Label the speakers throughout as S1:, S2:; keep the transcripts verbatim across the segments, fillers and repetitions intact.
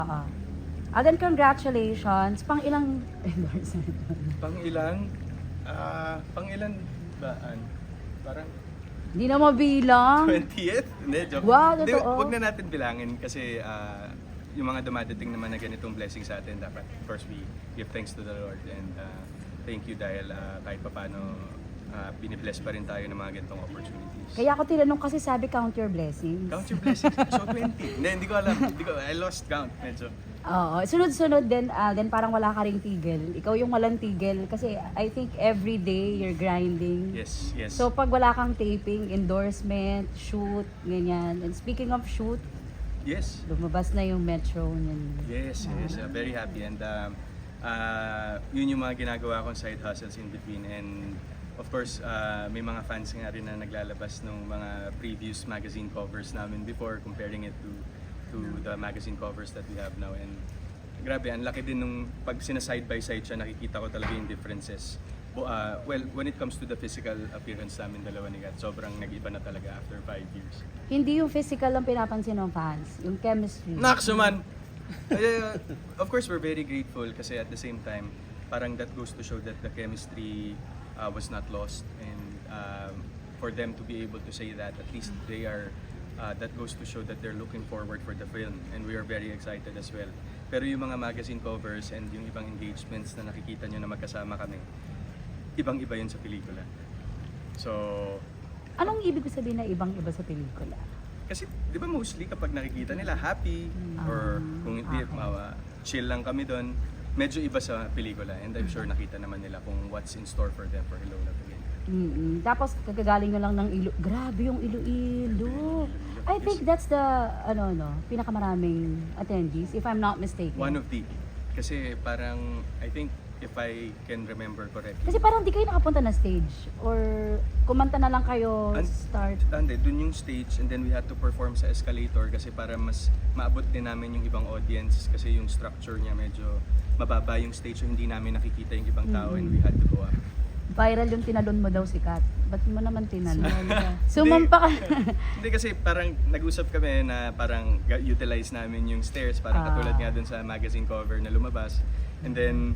S1: Oo. Again, congratulations. Pang ilang endorsement?
S2: Pang ilan? Ah, pang ilan baan? Parang
S1: Hindi na mabilang.
S2: twentieth? Hindi, joke.
S1: Wow,
S2: Hindi,
S1: totoo.
S2: wag na natin bilangin kasi ah, yung mga dumadating naman na ganitong blessing sa atin, dapat of course we give thanks to the Lord and ah, thank you dahil ah, kahit papano uh, binibless pa rin tayo ng mga ganitong opportunities.
S1: Kaya ako tinanong kasi sabi count your blessings.
S2: Count your blessings. So twenty. Hindi, hindi ko alam. Hindi ko, I lost count medyo.
S1: Oo. Sunod-sunod din, Alden, parang wala ka ring tigil. Ikaw yung walang tigil. Kasi I think every day you're grinding.
S2: Yes, yes.
S1: So pag wala kang taping, endorsement, shoot, ganyan. And speaking of shoot,
S2: yes.
S1: lumabas na yung Metro niyan.
S2: Yes, yes. Uh, very happy and um, uh, yun yung mga ginagawa kong side hustles in between and of course, uh, may mga fans nga rin na naglalabas ng mga previous magazine covers namin before, comparing it to to the magazine covers that we have now. And grabe, ang laki din nung pag sina-side by side siya, nakikita ko talaga yung differences. Bo, uh, well, when it comes to the physical appearance namin dalawa ni Kat, sobrang nag-iba na talaga after five years.
S1: Hindi yung physical ang pinapansin ng fans, yung chemistry.
S2: Nakso man! Uh, of course, we're very grateful kasi at the same time, parang that goes to show that the chemistry uh, was not lost and um, for them to be able to say that, at least they are Uh, that goes to show that they're looking forward for the film and we are very excited as well. Pero yung mga magazine covers and yung ibang engagements na nakikita nyo na magkasama kami, ibang-iba yun sa pelikula. So,
S1: Anong ibig sabihin na ibang-iba sa pelikula?
S2: kasi di ba mostly kapag nakikita nila happy or kung hindi,
S1: okay.
S2: uh, chill lang kami doon, medyo iba sa pelikula and I'm sure nakita naman nila kung what's in store for them for Hello Love Again.
S1: Mm-mm. Tapos kagagaling nyo lang ng ilo. Grabe yung Iloilo. I think that's the ano no, pinakamaraming attendees if I'm not mistaken.
S2: One of the, kasi parang I think if I can remember correctly.
S1: Kasi parang di kayo nakapunta na stage or kumanta na lang kayo
S2: And-
S1: start.
S2: Hindi, dun yung stage and then we had to perform sa escalator kasi para mas maabot din namin yung ibang audience kasi yung structure niya medyo mababa yung stage so hindi namin nakikita yung ibang tao and we had to go up.
S1: Viral yung tinalon mo daw si Kat. Ba't mo naman tinalon?
S2: Hindi.
S1: Sumampa ka.
S2: Hindi kasi parang nag-usap kami na parang ga- utilize namin yung stairs parang
S1: Ah.
S2: katulad nga dun sa magazine cover na lumabas and then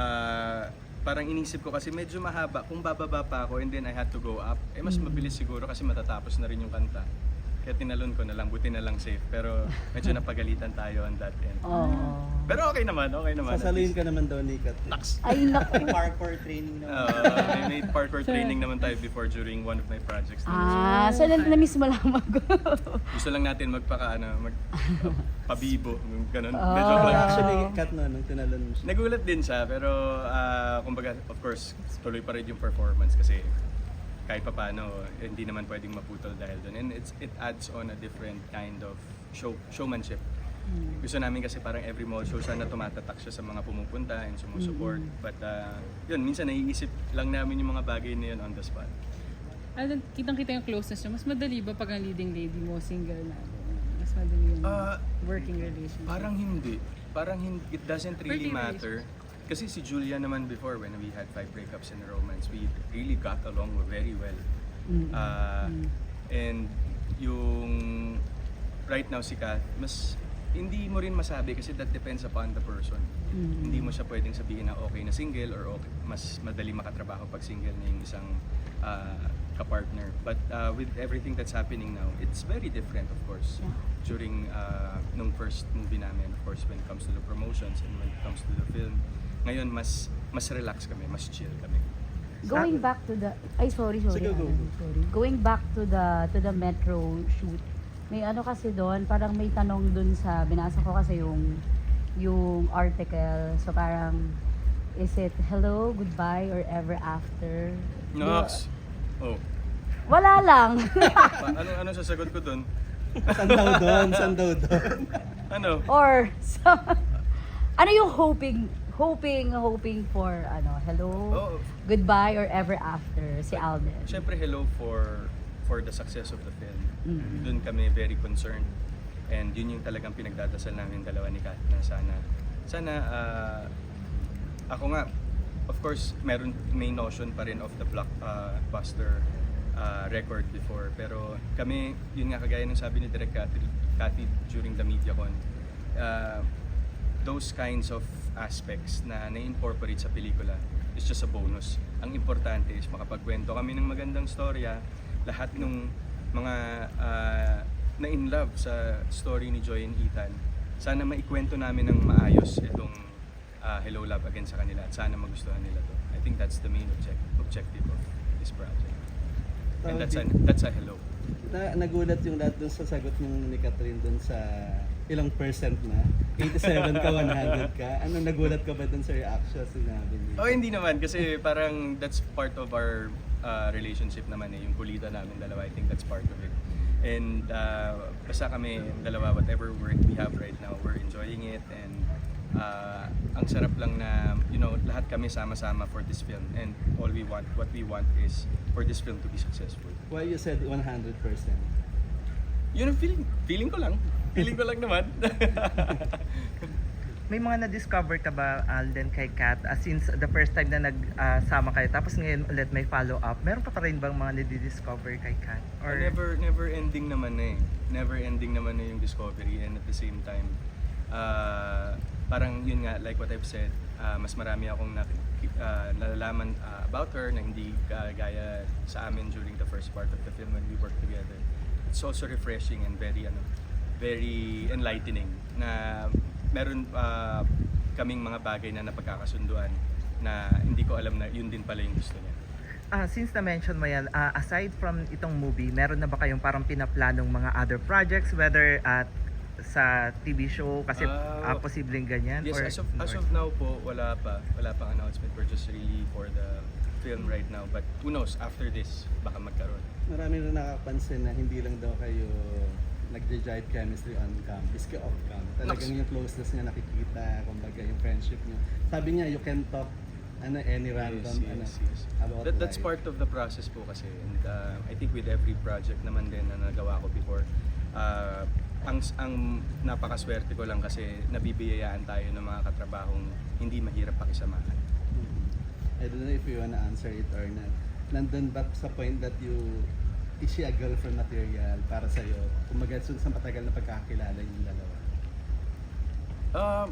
S2: ah, parang inisip ko kasi medyo mahaba kung bababa pa ako and then I had to go up eh mas mabilis siguro kasi matatapos na rin yung kanta kaya tinalon ko na lang buti na lang safe pero medyo napagalitan tayo on that end
S1: Oh.
S2: pero okay naman okay naman
S3: Sasaluhin ka naman daw ni Kat.
S2: Naks!
S1: Ay naku.
S3: Parkour training naman.
S2: Uh, may, may parkour training naman tayo before during one of my projects.
S1: Ah, so na- na-miss mo lang mag
S2: Gusto lang natin magpaka ano, mag uh, pabibo, ganun.
S1: Oh.
S2: Medyo
S3: Pero
S2: lang.
S3: actually, Kat no, nung tinalon mo siya.
S2: Nagulat din siya pero ah, kumbaga of course tuloy pa rin yung performance kasi kahit pa paano hindi naman pwedeng maputol dahil doon and it's it adds on a different kind of show showmanship. Gusto namin kasi parang every mall show sana tumatatak siya sa mga pumupunta and sumusupport but ah, yun minsan naiisip lang namin yung mga bagay na yun on the spot.
S4: Ano, kitang-kita yung closeness niya. Mas madali ba pag ang leading lady mo single na? Mas madali yung
S2: Ah,
S4: working relationship?
S2: Parang hindi. Parang hindi, it doesn't really
S4: Pretty
S2: matter. Kasi si Julia naman before, when we had five breakups in a romance, we really got along very well.
S1: Mm.
S2: Ah, And yung right now si Kat, mas hindi mo rin masabi kasi that depends upon the person.
S1: Mm.
S2: Hindi mo siya pwedeng sabihin na okay na single or okay, mas madali makatrabaho pag single na yung isang ah, kapartner. But uh, with everything that's happening now, it's very different of course.
S1: Yeah.
S2: During uh, nung first movie namin, of course, when it comes to the promotions and when it comes to the film, ngayon mas mas relax kami, mas chill kami.
S1: Going back to the ay sorry sorry.
S3: Sige, go,
S1: ano,
S3: go.
S1: sorry. Going back to the to the Metro shoot. May ano kasi doon, parang may tanong doon sa binasa ko kasi yung yung article. So parang is it hello, goodbye or ever after?
S2: Nox. Oh.
S1: Wala lang.
S2: Pa- ano ano sasagot ko doon?
S3: San daw doon? San daw doon?
S2: Ano?
S1: Or so, ano yung hoping hoping hoping for ano hello,
S2: Oh,
S1: goodbye or ever after si Alden?
S2: syempre hello for for the success of the film.
S1: Mm.
S2: Doon kami very concerned. And yun yung talagang pinagdadasal namin dalawa ni Kat na sana sana ah, ako nga of course meron may notion pa rin of the blockbuster uh, record before pero kami yun nga kagaya ng sabi ni Direk Cathy, Cathy during the MediaCon uh, those kinds of aspects na na-incorporate sa pelikula is just a bonus. Ang importante is makapagkwento kami ng magandang storya, lahat ng mga uh, na in love sa story ni Joy and Ethan. Sana maikwento namin ng maayos itong uh, Hello Love Again sa kanila at sana magustuhan nila to. I think that's the main object, objective of this project. And that's a, that's a hello.
S3: Na, nagulat yung lahat dun sa sagot ng ni Catherine dun sa ilang percent na? eighty-seven ka, one hundred ka? Ano, nagulat ka ba dun sa reaction sinabi niya?
S2: Oh, hindi naman kasi parang that's part of our uh, relationship naman eh, yung kulita namin dalawa. I think that's part of it. And uh, basta kami dalawa, whatever work we have right now, we're enjoying it and uh, ang sarap lang na, you know, lahat kami sama-sama for this film and all we want, what we want is for this film to be successful.
S3: Why you said one hundred percent?
S2: Yun ang feeling, feeling ko lang. Feeling ko lang naman.
S5: May mga na-discover ka ba, Alden, kay Kat? Uh, since the first time na nagsama kayo, tapos ngayon ulit may follow-up, meron pa pa rin bang mga na-discover kay Kat? Or
S2: never never ending naman na eh. Never ending naman na yung discovery and at the same time uh, parang yun nga like what I've said, uh, mas marami akong na, uh, nalalaman uh, about her na hindi uh, gaya sa amin during the first part of the film when we worked together. It's also refreshing and very ano very enlightening na meron uh, kaming mga bagay na napagkakasunduan na hindi ko alam na yun din pala yung gusto niya.
S5: Ah, since na-mention mo yan, ah, aside from itong movie, meron na ba kayong parang pinaplanong mga other projects, whether at sa T V show, kasi
S2: Ah,
S5: ah, posibleng ganyan?
S2: Yes,
S5: or,
S2: as of, as
S5: or-
S2: of now po, wala pa. Wala pang announcement. We're just really for the film right now. But who knows, after this, baka magkaroon.
S3: Marami na nakapansin na hindi lang daw kayo nagde-jive chemistry on cam, iski off cam. Talagang yung closeness niya nakikita, kumbaga yung friendship niyo. Sabi niya, you can talk ano any random
S2: Yes,
S3: ano
S2: yes, yes.
S3: about
S2: That, that's
S3: life.
S2: part of the process po kasi. And uh, I think with every project naman din na nagawa ko before, uh, ang, ang napakaswerte ko lang kasi nabibiyayaan tayo ng mga katrabahong hindi mahirap pakisamahan.
S3: Mhm. I don't know if you wanna answer it or not. Nandun ba sa point that you is she a girlfriend material para sa'yo? Kumbaga sun sa matagal na pagkakilala yung dalawa.
S2: Um,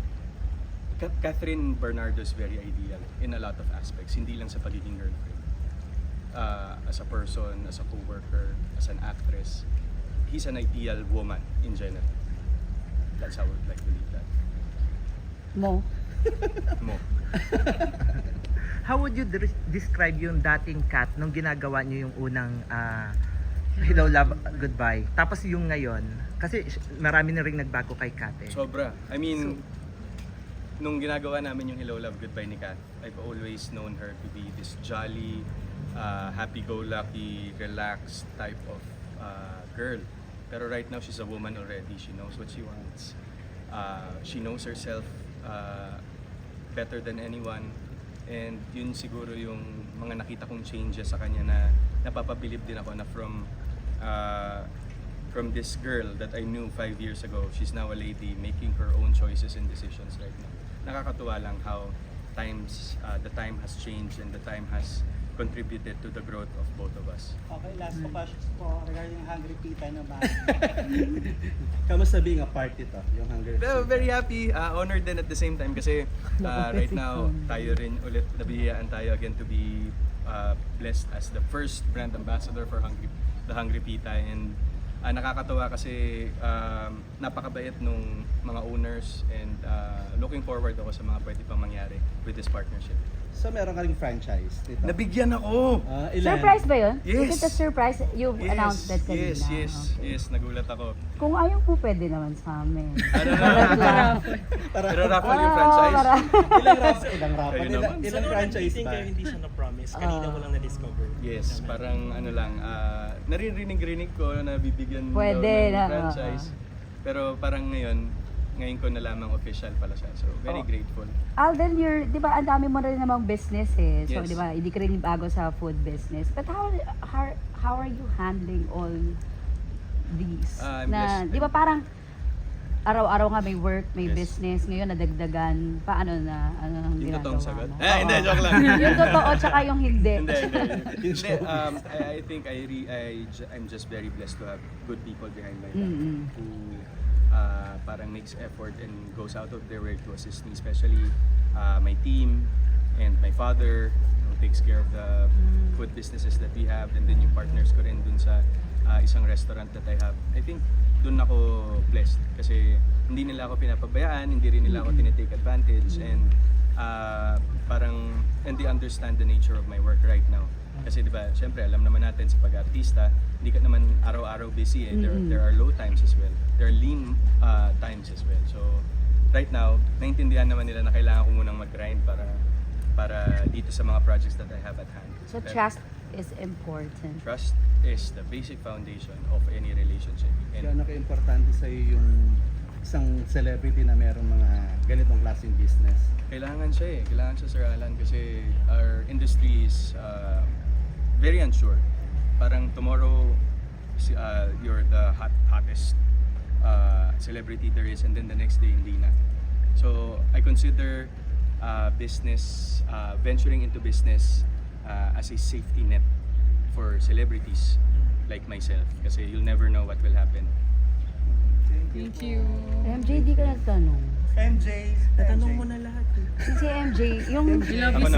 S2: Ka- Catherine Bernardo is very ideal in a lot of aspects, hindi lang sa pagiging girlfriend. Uh, as a person, as a co-worker, as an actress, he's an ideal woman in general. That's how I would like to leave that.
S1: Mo.
S2: Mo.
S5: How would you de- describe yung dating Kat nung ginagawa niyo yung unang ah, Hello Love Goodbye? Tapos yung ngayon, kasi sh- marami na rin nagbago kay Kat eh.
S2: Sobra. I mean, nung ginagawa namin yung Hello Love Goodbye ni Kat, I've always known her to be this jolly, uh, happy-go-lucky, relaxed type of uh, girl. Pero right now, she's a woman already. She knows what she wants. Uh, she knows herself uh, better than anyone. And yun siguro yung mga nakita kong changes sa kanya na napapabilib din ako na from uh, from this girl that I knew five years ago, she's now a lady making her own choices and decisions right now. Nakakatuwa lang how times uh, the time has changed and the time has contributed to the growth of both of us.
S6: Okay, last ko questions po regarding Hungry Pita naman.
S3: Kamusta being a part ito, yung Hunger
S2: Well,
S3: Pita?
S2: very happy, uh, honored din at the same time kasi uh, right now tayo rin ulit nabihiyaan tayo again to be uh, blessed as the first brand ambassador for Hungry, the Hungry Pita and uh, nakakatawa kasi um, napakabait nung mga owners and uh, looking forward ako sa mga pwede pang mangyari with this partnership.
S3: So meron ka ring franchise nito?
S2: Nabigyan ako!
S3: Ah, ilan?
S1: Surprise ba yun?
S2: Yes.
S1: Is it a surprise? You've announced that kanina.
S2: Yes, yes,
S1: Okay.
S2: yes, nagulat ako.
S1: Kung ayaw po, pwede naman sa amin.
S2: Ano na? Pero raffle yung franchise?
S1: para.
S3: Ilang rap? Ilang rap?
S2: Ayun
S3: Ilang,
S2: naman.
S3: ilang franchise ba?
S6: Kayo hindi siya na-promise. Kanina
S1: Ah.
S6: mo lang na-discover.
S2: Yes, parang ano lang, ah, naririnig-rinig ko na bibigyan
S1: Pwede
S2: daw ng
S1: na,
S2: franchise. Pero parang ngayon, ngayon ko nalamang official pala siya. So, very
S1: Oh.
S2: grateful.
S1: Alden, you're, di ba, ang dami mo rin namang business eh. So,
S2: Yes.
S1: di ba, hindi ka rin bago sa food business. But how, how, how are you handling all these?
S2: Ah, I'm
S1: na,
S2: blessed.
S1: di ba parang, araw-araw nga may work, may
S2: Yes.
S1: business. Ngayon, nadagdagan. Paano na, ano ang
S2: Yung
S1: ginagawa
S2: totoong sagot?
S1: mo?
S2: Eh, hindi,
S1: Oo.
S2: joke lang.
S1: yung totoo, tsaka yung hindi.
S2: hindi, hindi. Hindi, um, I, I think I, re, I, ju- I'm just very blessed to have good people behind my back
S1: Mm-mm.
S2: who uh, parang makes effort and goes out of their way to assist me, especially uh, my team and my father who takes care of the food businesses that we have, and then yung partners ko rin dun sa uh, isang restaurant that I have. I think dun ako blessed kasi hindi nila ako pinapabayaan, hindi rin nila ako tinitake advantage, and uh, parang and they understand the nature of my work right now. Kasi di ba, syempre alam naman natin sa pag-artista, hindi ka naman araw-araw busy eh. There,
S1: Mm-mm.
S2: there are low times as well. There are lean uh, times as well. So right now, naintindihan naman nila na kailangan ko munang mag-grind para para dito sa mga projects that I have at hand.
S1: So
S2: Pero
S1: trust is important.
S2: trust is the basic foundation of any relationship. And
S3: Gaano ka-importante sa'yo yung isang celebrity na merong mga ganitong klaseng business?
S2: kailangan siya eh. Kailangan siya, Sir Alan, kasi our industry is uh, very unsure. Parang tomorrow, si- uh, you're the hot, hottest uh, celebrity there is, and then the next day, hindi na. So, I consider uh, business, uh, venturing into business uh, as a safety net for celebrities like myself. Kasi you'll never know what will happen.
S4: Thank you.
S1: M J, di ka nagtanong.
S6: M J,
S3: Natanong mo na lahat eh.
S1: Si M J, yung
S4: I love
S2: Ako
S4: you
S2: na